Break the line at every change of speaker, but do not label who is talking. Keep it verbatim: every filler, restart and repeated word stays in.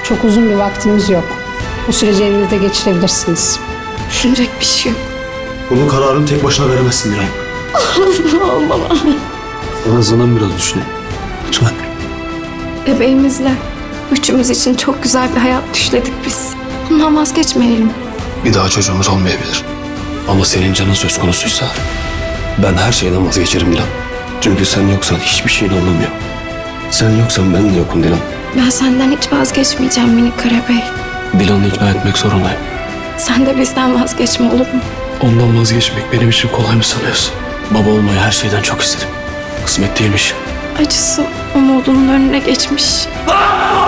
Çok uzun bir vaktimiz yok. Bu süreci evinizde geçirebilirsiniz.
Düşünecek bir şey yok.
Bunun kararını tek başına veremezsin Dilan.
Olmam.
En azından biraz düşün. Lütfen.
Bebeğimizle üçümüz için çok güzel bir hayat düşledik biz. Bundan vazgeçmeyelim.
Bir daha çocuğumuz olmayabilir. Ama senin canın söz konusuysa ben her şeyden vazgeçerim Dilan. Çünkü sen yoksan hiçbir şeyin anlamıyor. Sen yoksan ben de yokum Dilan.
Ben senden hiç vazgeçmeyeceğim minik Karabey.
Dilan'ı ikna etmek zorundayım.
Sen de bizden vazgeçme, olur mu?
Ondan vazgeçmek benim için kolay mı sanıyorsun? Baba olmayı her şeyden çok istedim. Kısmet değilmiş.
Acısı umudunun önüne geçmiş.
Aa!